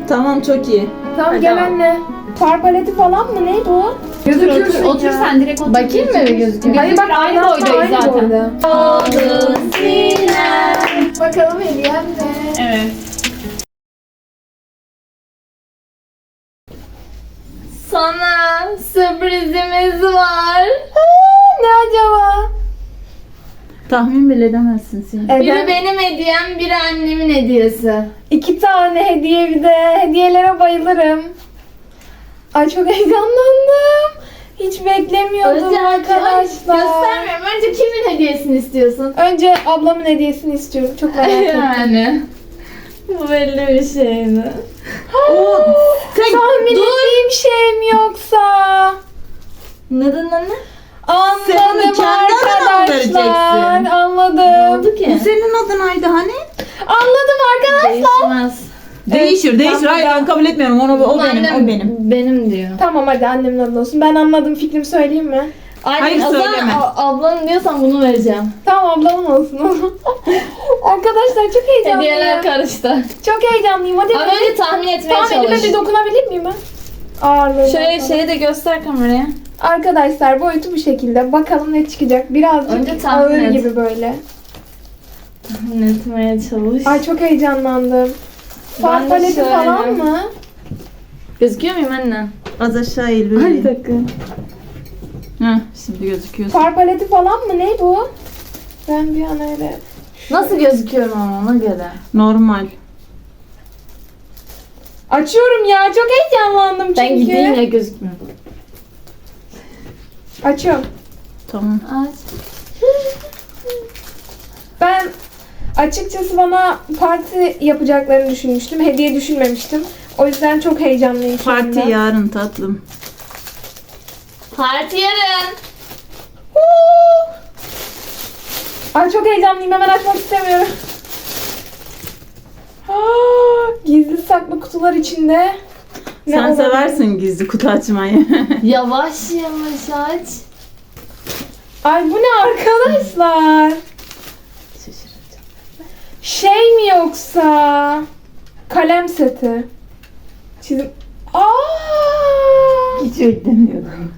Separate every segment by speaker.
Speaker 1: Tamam, çok iyi.
Speaker 2: Tamam
Speaker 3: Hadi
Speaker 2: gel
Speaker 3: ama.
Speaker 2: anne. Far paleti falan mı? Ne bu? Gözüküyorsun
Speaker 3: Otur
Speaker 2: ya.
Speaker 3: sen direkt otur.
Speaker 2: Bakayım mı bir gözüküyor?
Speaker 3: Hayır bak aynı boydayız zaten.
Speaker 2: Aldın Sinem. Bakalım hediyem ne?
Speaker 3: Evet.
Speaker 2: Sana sürprizimiz var. Ne acaba?
Speaker 1: Tahmin bile edemezsin sen.
Speaker 2: Biri benim hediyem, biri annemin hediyesi. 2 tane hediye bir de. Hediyelere bayılırım. Ay çok heyecanlandım. Hiç beklemiyordum arkadaşlar.
Speaker 4: Göstermiyorum. Önce kimin hediyesini istiyorsun?
Speaker 2: Önce ablamın hediyesini istiyorum. Çok merak ettim.
Speaker 4: Yani. Bu belli bir şey mi?
Speaker 2: Tahmin ettiğim şey mi yoksa?
Speaker 4: Neden anne?
Speaker 1: Sen onu
Speaker 2: Anladım
Speaker 1: kendi adına mı vereceksin?
Speaker 2: arkadaşlar.
Speaker 4: Ne
Speaker 2: Anladım.
Speaker 4: oldu ki?
Speaker 1: Bu senin adınaydı hani?
Speaker 2: Anladım arkadaşlar.
Speaker 4: Değişmez.
Speaker 1: Değişir. Hayır, ben kabul etmiyorum. O benim.
Speaker 4: Benim diyor.
Speaker 2: Tamam hadi annemin adına olsun. Ben anladım. Fikrimi söyleyeyim mi?
Speaker 4: Anne,
Speaker 1: Hayır,
Speaker 4: o zaman
Speaker 1: söyleme.
Speaker 4: ablanın diyorsan bunu vereceğim.
Speaker 2: Tamam ablamın olsun. Arkadaşlar çok heyecanlıyım.
Speaker 4: Hediyeler karıştı.
Speaker 2: Çok heyecanlıyım. Hadi
Speaker 4: Ama önce tahmin etmeye
Speaker 2: tamam elime
Speaker 4: çalış.
Speaker 2: bir dokunabilir miyim ben? Ağırlığına
Speaker 4: Şöyle
Speaker 2: falan.
Speaker 4: şeyi de göster kameraya.
Speaker 2: Arkadaşlar boyutu bu şekilde. Bakalım ne çıkacak.
Speaker 4: Önce
Speaker 2: Birazcık
Speaker 4: tahmin
Speaker 2: ağır
Speaker 4: et.
Speaker 2: gibi böyle.
Speaker 4: Tahmin etmeye çalış.
Speaker 2: Ay çok heyecanlandım.
Speaker 4: Ben
Speaker 2: Far
Speaker 4: de
Speaker 2: paleti
Speaker 4: şöyle.
Speaker 2: falan mı?
Speaker 4: Gözüküyor muyum anne?
Speaker 1: Az aşağı eğil böyle.
Speaker 4: dakika.
Speaker 1: Heh, şimdi gözüküyorsun.
Speaker 2: Far paleti falan mı? Ne bu? Ben bir an öyle...
Speaker 4: Nasıl gözüküyorum ama ona göre?
Speaker 1: Normal.
Speaker 2: Açıyorum ya. Çok heyecanlandım çünkü.
Speaker 4: Ben gideyim ya gözükmüyor.
Speaker 2: Açıyorum.
Speaker 1: Tamam.
Speaker 4: Aç.
Speaker 2: Ben açıkçası bana parti yapacaklarını düşünmüştüm. Hediye düşünmemiştim. O yüzden çok heyecanlıyım şu anda.
Speaker 1: Parti yarın tatlım.
Speaker 4: Parti yarın.
Speaker 2: Ay çok heyecanlıyım. Hemen açmak istemiyorum. Gizli saklı kutular içinde. Ne
Speaker 1: Sen
Speaker 2: olabilir?
Speaker 1: seversin gizli kutu açmayı.
Speaker 4: Yavaş yavaş aç.
Speaker 2: Ay bu ne arkadaşlar?
Speaker 1: Şaşıracağım.
Speaker 2: Şey mi yoksa? Kalem seti. Çizim.
Speaker 1: Hiç beklemiyordum.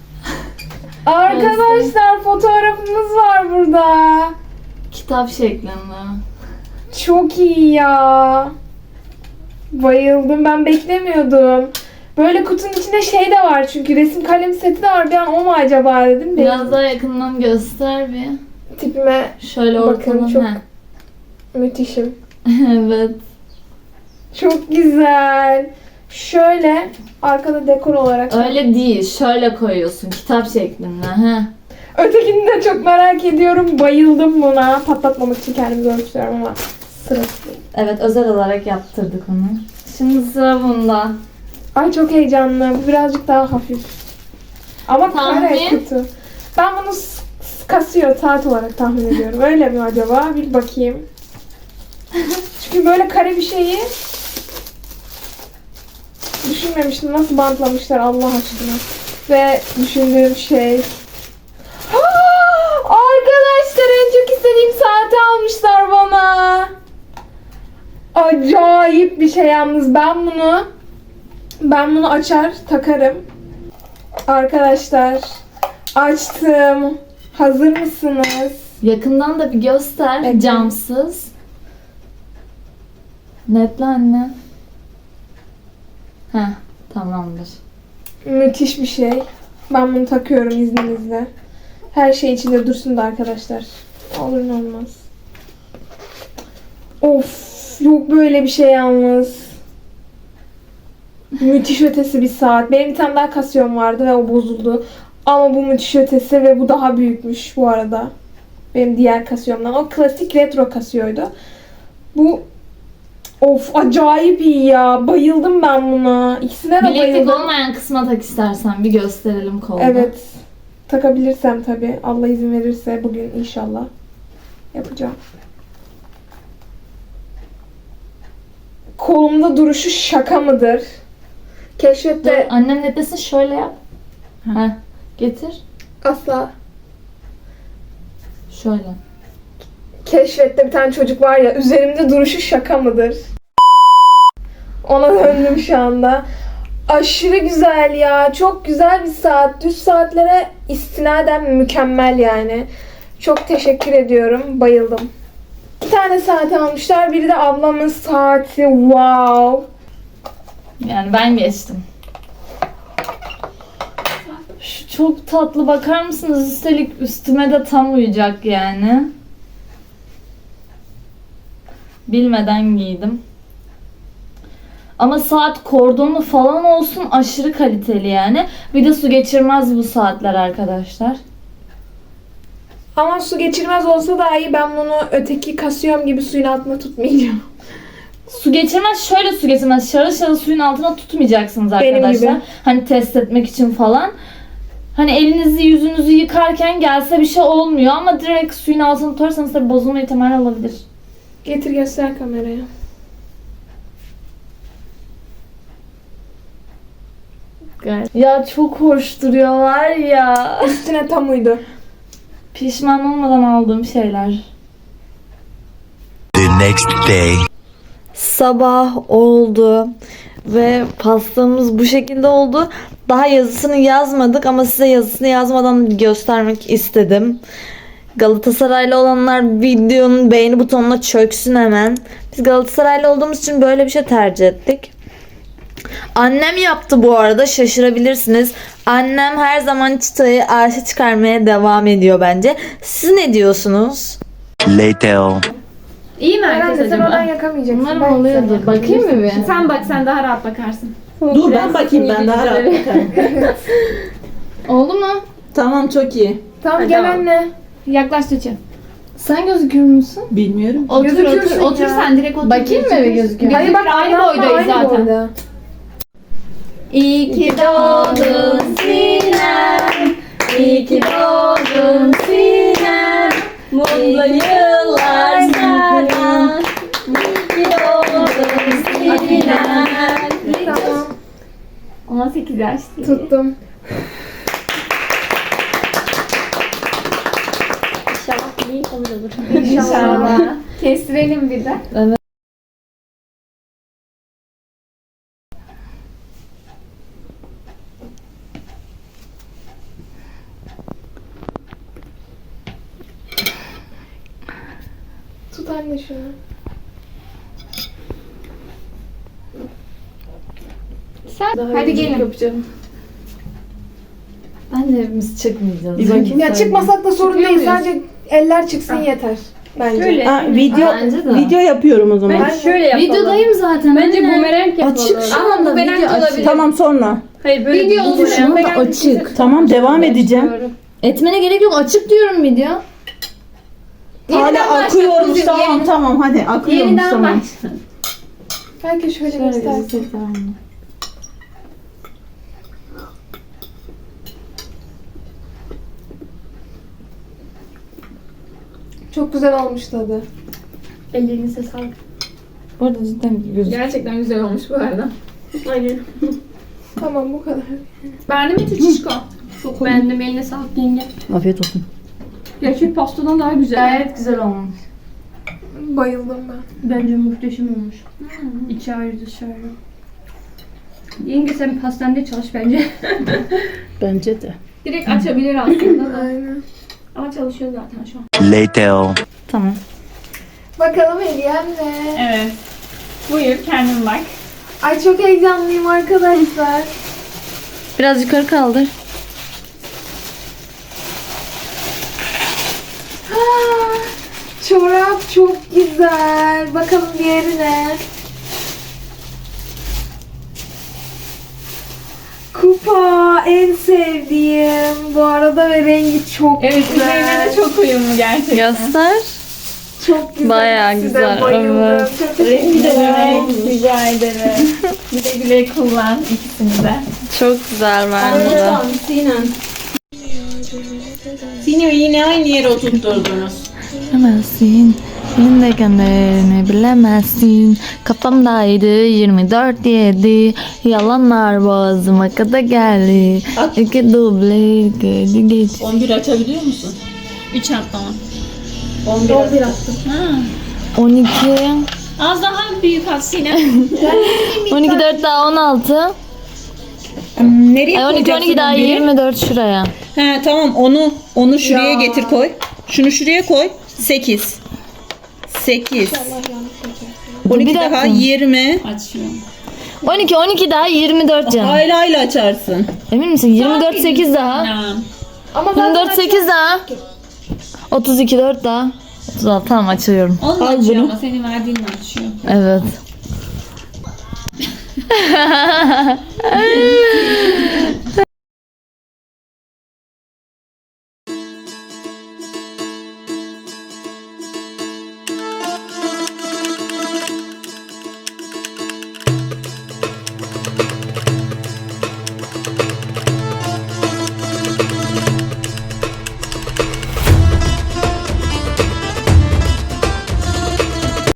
Speaker 2: Arkadaşlar fotoğrafımız var burada.
Speaker 4: Kitap şeklinde.
Speaker 2: Çok iyi ya. Bayıldım. Ben beklemiyordum. Böyle kutunun içinde şey de var çünkü resim kalem seti de var. Bir an o mu acaba dedim.
Speaker 4: Biraz daha yakından göster bir.
Speaker 2: Tipime
Speaker 4: Şöyle
Speaker 2: bakın
Speaker 4: ortadan.
Speaker 2: çok
Speaker 4: Heh.
Speaker 2: müthişim.
Speaker 4: Evet.
Speaker 2: Çok güzel. Şöyle arkada dekor olarak.
Speaker 4: Öyle değil. Şöyle koyuyorsun. Kitap şeklinde. Heh.
Speaker 2: Ötekini de çok merak ediyorum. Bayıldım buna. Patlatmamak için kendimi görmüştüyorum ama sırası değil.
Speaker 4: Evet, özel olarak yaptırdık onu. Şimdi sıra bunda.
Speaker 2: Ay çok heyecanlı. Bu birazcık daha hafif. Ama kare
Speaker 4: Tahmin?
Speaker 2: kutu. Ben bunu kasıyor saat olarak tahmin ediyorum. Öyle mi acaba? Bir bakayım. Çünkü böyle kare bir şeyi düşünmemiştim. Nasıl bantlamışlar Allah aşkına. Ve düşündüğüm şey... Arkadaşlar en çok istediğim saati almışlar bana. Acayip bir şey yalnız. Ben bunu açar takarım. Arkadaşlar açtım. Hazır mısınız?
Speaker 4: Yakından da bir göster.
Speaker 2: Evet.
Speaker 4: Camsız. Netle anne. Heh, tamamdır.
Speaker 2: Müthiş bir şey. Ben bunu takıyorum izninizle. Her şey içinde dursun da arkadaşlar. Olur ne olmaz. Of, yok böyle bir şey yalnız. Müthiş ötesi bir saat. Benim bir tane daha Casio'm vardı ve o bozuldu. Ama bu müthiş ötesi ve bu daha büyükmüş bu arada. Benim diğer Casio'mdan. O klasik retro Casio'ydu. Bu of acayip iyi ya. Bayıldım ben buna. İkisine de
Speaker 4: Bileklik
Speaker 2: bayıldım.
Speaker 4: olmayan kısma tak istersen. Bir gösterelim kolda.
Speaker 2: Evet. Takabilirsem tabii. Allah izin verirse bugün inşallah yapacağım. Kolumda duruşu şaka mıdır?
Speaker 4: Dur,
Speaker 2: Keşfette
Speaker 4: annem ne desin? Şöyle yap. Heh, getir.
Speaker 2: asla.
Speaker 4: Şöyle.
Speaker 2: Keşfette bir tane çocuk var ya üzerimde duruşu şaka mıdır? Ona döndüm şu anda. Aşırı güzel ya. Çok güzel bir saat. Düz saatlere istinaden mükemmel yani. Çok teşekkür ediyorum. Bayıldım. 2 tane saat almışlar. Biri de ablamın saati. Wow.
Speaker 4: Yani ben geçtim. Şu çok tatlı, bakar mısınız? Üstelik üstüme de tam uyacak yani. Bilmeden giydim. Ama saat kordonu falan olsun, aşırı kaliteli yani. Bir de su geçirmez bu saatler arkadaşlar.
Speaker 2: Ama su geçirmez olsa daha iyi. Ben bunu öteki kasiyom gibi suyun altına tutmayacağım.
Speaker 4: Su geçirmez, şöyle su geçirmez. Şarıl şarıl suyun altına tutmayacaksınız
Speaker 2: Benim
Speaker 4: arkadaşlar.
Speaker 2: gibi.
Speaker 4: Hani test etmek için falan. Hani elinizi yüzünüzü yıkarken gelse bir şey olmuyor ama direkt suyun altına tutarsanız tabii bozulma ihtimali olabilir.
Speaker 2: Getir göster kameraya.
Speaker 4: Ya çok hoş duruyorlar ya.
Speaker 2: Üstüne tam uydu.
Speaker 4: Pişman olmadan aldığım şeyler.
Speaker 5: The next day.
Speaker 6: Sabah oldu ve pastamız bu şekilde oldu. Daha yazısını yazmadık ama size yazısını yazmadan göstermek istedim. Galatasaraylı olanlar videonun beğeni butonuna çöksün hemen. Biz Galatasaraylı olduğumuz için böyle bir şey tercih ettik. Annem yaptı bu arada, şaşırabilirsiniz. Annem her zaman çıtayı arşa çıkarmaya devam ediyor bence. Siz ne diyorsunuz?
Speaker 5: Later.
Speaker 3: İyi mi herkes
Speaker 2: Herhalde sen oradan
Speaker 3: acaba?
Speaker 2: yakamayacaksın.
Speaker 4: Umarım
Speaker 2: Ben
Speaker 4: oluyordur. Bakayım mı bir?
Speaker 3: Sen bak, sen daha rahat bakarsın.
Speaker 1: Dur ben bakayım, ben daha rahat bakarım.
Speaker 3: Oldu mu?
Speaker 1: Tamam, çok iyi.
Speaker 2: Tamam gel
Speaker 3: Tamam.
Speaker 2: anne.
Speaker 3: Yaklaş Tuğçe.
Speaker 4: Sen gözüküyor musun?
Speaker 1: Bilmiyorum.
Speaker 3: Otur
Speaker 2: Gözüküyorsun
Speaker 3: otur. Otur
Speaker 2: ya.
Speaker 3: sen direkt otur.
Speaker 4: Bakayım mı bir gözüküyor?
Speaker 2: Hayır bak
Speaker 3: Aynı
Speaker 2: Allah'la
Speaker 3: boydayız
Speaker 2: aynı
Speaker 3: zaten.
Speaker 2: boyda.
Speaker 4: İyi ki doğdun Sinem. İyi ki doğdun Sinem. Mutlu yıllar sana. İyi ki doğdun Sinem.
Speaker 2: Tamam
Speaker 3: 18 yaş değil.
Speaker 2: tuttum.
Speaker 3: İnşallah iyi olur.
Speaker 2: İnşallah.
Speaker 3: Kestirelim bir de.
Speaker 2: Tut anne şunu.
Speaker 3: Hadi gelin.
Speaker 2: Yapacağım.
Speaker 4: Bence hepimiz çıkmayacağız.
Speaker 1: Bir bakayım.
Speaker 2: Ya çıkmasak da sorun
Speaker 3: Çıkıyor
Speaker 2: değil.
Speaker 3: muyuz?
Speaker 2: Sadece eller çıksın yeter. Bence.
Speaker 3: Şöyle.
Speaker 1: Ha, video
Speaker 4: Bence de.
Speaker 1: video yapıyorum o zaman.
Speaker 3: Ben şöyle yapalım.
Speaker 4: Videodayım zaten.
Speaker 3: Bence
Speaker 4: anne.
Speaker 3: bumerang yapalım.
Speaker 4: Açık şu
Speaker 3: Ama
Speaker 4: anda
Speaker 3: bumerang
Speaker 4: video
Speaker 3: olabilir.
Speaker 4: açık.
Speaker 1: Tamam, sonra.
Speaker 3: Hayır böyle
Speaker 2: Video olsun.
Speaker 4: Şu anda açık.
Speaker 1: Tamam, devam edeceğim.
Speaker 4: Etmene gerek yok. Açık diyorum video.
Speaker 1: Hala akıyormuş. Tamam hadi akıyormuş,
Speaker 3: Yeniden
Speaker 1: tamam.
Speaker 3: başla.
Speaker 2: Belki şöyle göstersin.
Speaker 4: göstereyim.
Speaker 2: Çok güzel olmuş tadı.
Speaker 3: Ellerinize sağlık.
Speaker 4: Bu arada cidden gözüküyor.
Speaker 3: Gerçekten güzel olmuş bu arada. Aynen.
Speaker 2: Tamam bu kadar.
Speaker 3: Beğendin mi Tuğçişko? Çok beğendim. Eline sağlık yenge.
Speaker 1: Afiyet olsun.
Speaker 3: Gerçek pastadan daha güzel.
Speaker 4: Gayet güzel olmuş.
Speaker 2: Bayıldım ben.
Speaker 3: Bence muhteşem olmuş. İçi ayrı dışı ayrı. Yenge sen pastanede çalış bence.
Speaker 1: Bence de.
Speaker 3: Direkt açabilir aslında da.
Speaker 2: Aynen.
Speaker 3: Ama çalışıyor zaten şu an.
Speaker 5: Later.
Speaker 4: Tamam.
Speaker 2: Bakalım hediyem ne?
Speaker 3: Evet. Buyur kendin bak.
Speaker 2: Ay çok heyecanlıyım arkadaşlar.
Speaker 4: Biraz yukarı kaldır.
Speaker 2: Çorap çok güzel. Bakalım diğeri ne? Kupa en sevdiğim. Bu arada ve rengi çok
Speaker 3: Evet
Speaker 2: güzel.
Speaker 3: üzerine de çok uyumlu gerçekten.
Speaker 4: Göster.
Speaker 2: Çok güzel.
Speaker 4: Bayağı
Speaker 2: Size
Speaker 4: güzel,
Speaker 2: bayıldım.
Speaker 4: evet.
Speaker 2: Çok teşekkür
Speaker 3: Rengi de
Speaker 2: ederim.
Speaker 3: rica ederim. Güle güle kullan ikisini de.
Speaker 4: Çok güzel bence de.
Speaker 1: Sinem. Sinem'i yine aynı yere oturtturdunuz.
Speaker 4: Bilemezsin. Elimdeyken de ne bilemezsin. Kafamdaydı 24/7. Yalanlar boğazıma kadar geldi. İki duble geldi geç.
Speaker 1: 11 açabiliyor musun?
Speaker 3: 3 atlama.
Speaker 1: 11 attım.
Speaker 4: 12.
Speaker 1: Az daha büyük at Sinem.
Speaker 6: 12 4 daha 16.
Speaker 1: Nereye
Speaker 6: Ay 12
Speaker 1: koyacaksın
Speaker 6: 12 daha
Speaker 1: onu?
Speaker 6: 24 şuraya.
Speaker 1: He tamam onu şuraya getir koy. Şunu şuraya koy. 8. 8. 12
Speaker 6: Bir
Speaker 1: daha
Speaker 6: dakika.
Speaker 1: 20.
Speaker 3: Açıyorum.
Speaker 6: 12 daha 24 canım.
Speaker 1: Aile aile açarsın.
Speaker 6: Emin misin? 24 8 daha.
Speaker 2: Ama
Speaker 6: 24 8 daha. 32 4 daha. 36 tamam açıyorum.
Speaker 3: Onu
Speaker 1: Al
Speaker 3: açıyor
Speaker 1: bunu.
Speaker 3: ama senin verdiğinle açıyor.
Speaker 6: Evet.